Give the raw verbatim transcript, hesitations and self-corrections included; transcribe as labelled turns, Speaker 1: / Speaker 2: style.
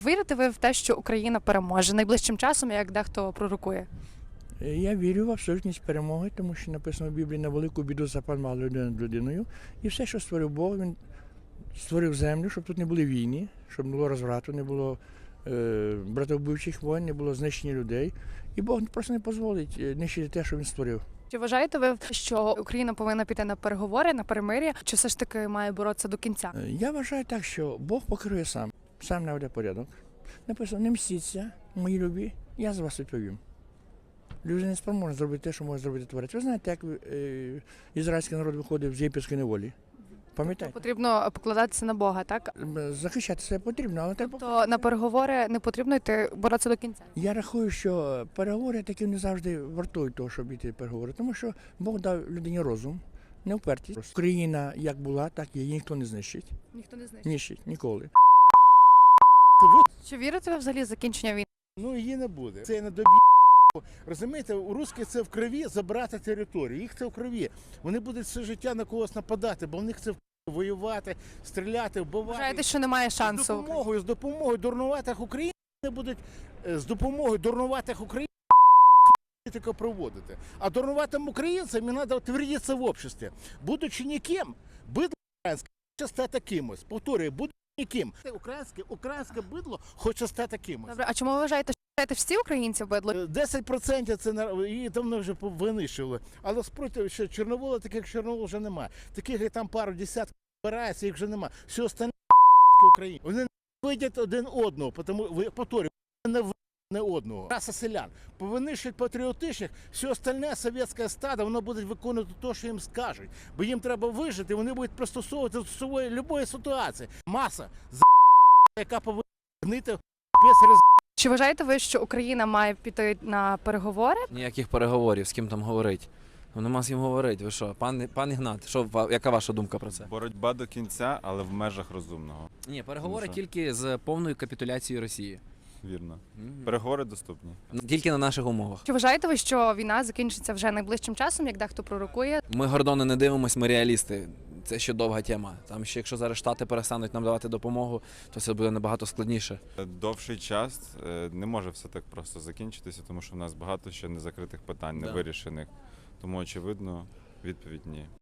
Speaker 1: Вірите ви в те, що Україна переможе найближчим часом, як дехто пророкує?
Speaker 2: Я вірю в абсолютність перемоги, тому що написано в Біблії: на велику біду запал мала людина над людиною. І все, що створив Бог, він створив землю, щоб тут не були війни, щоб не було розврату, не було е, братовбивчих воїн, не було знищення людей. І Бог просто не дозволить нищити те, що він створив.
Speaker 1: Чи вважаєте ви, що Україна повинна піти на переговори, на перемир'я, чи все ж таки має боротися до кінця?
Speaker 2: Е, Я вважаю так, що Бог покерує сам, сам наведе порядок. Написано: не мстіться, мої любі, я за вас відповім. Люди не спроможні зробити те, що може зробити творець. Ви знаєте, як е, ізраїльський народ виходив з єгипетської неволі? Пам'ятаєте?
Speaker 1: Потрібно покладатися на Бога, так?
Speaker 2: Захищати себе потрібно, але треба.
Speaker 1: То на переговори не потрібно йти боротися до кінця.
Speaker 2: Я рахую, що переговори такі не завжди вартують того, щоб йти переговори, тому що Бог дав людині розум, не впертість. Україна як була, так і її ніхто не знищить.
Speaker 1: Ніхто не знає.
Speaker 2: Знищить ніколи.
Speaker 1: Чи вірите ви взагалі в закінчення війни?
Speaker 3: Ну, її не буде. Це не добі. Розумієте, у русських це в крові забрати територію. Їх це в крові. Вони будуть все життя на когось нападати, бо в них це в воювати, стріляти, вбивати.
Speaker 1: Вважаєте, що немає
Speaker 3: З
Speaker 1: шансу?
Speaker 3: допомогою, з допомогою дурнуватих українців вони будуть е, з допомогою дурнуватих українців політику проводити. А дурнуватим українцям їм треба утвердитися в обществі. Будучи ніким, бидло українське хоче стати кимось. Повторюю, будучи ніким. Українське, українське бидло хоче стати кимось.
Speaker 1: Добре, а чому ви вважаєте, що вважаєте, всі українці бидло?
Speaker 3: десять відсотків це на- її давно вже винищили. Але спроти, що Чорновола, таких як Чорновол вже немає. Таких як там пару десятків збирається, їх вже немає. Все остальне Україні. Вони не видять один одного, тому ви повторюю, вони не видять не одного. Раса селян. Повинищують патріотичних, все остальне совєтське стадо, воно буде виконувати те, що їм скажуть. Бо їм треба вижити, вони будуть пристосовувати до своєї любої ситуації. Маса за яка повинна гнити без роз.
Speaker 1: Чи вважаєте ви, що Україна має піти на переговори?
Speaker 4: Ніяких переговорів, з ким там говорить. Ну нема з ким говорити. Ви що, пан, пан Ігнат, що, ва- яка ваша думка про це?
Speaker 5: Боротьба до кінця, але в межах розумного.
Speaker 4: Ні, переговори
Speaker 5: Ну, що?
Speaker 4: тільки з повною капітуляцією Росії.
Speaker 5: Вірно.
Speaker 4: Мгм.
Speaker 5: Переговори доступні.
Speaker 4: Тільки на наших умовах.
Speaker 1: Чи вважаєте ви, що війна закінчиться вже найближчим часом, як дехто пророкує?
Speaker 4: Ми Гордони не дивимось, ми реалісти. Це ще довга тема. Там ще якщо зараз Штати перестануть нам давати допомогу, то це буде набагато складніше.
Speaker 5: Довший час е, не може все так просто закінчитися, тому що в нас багато ще незакритих питань,
Speaker 4: Да.
Speaker 5: невирішених. Тому, очевидно, відповідь ні.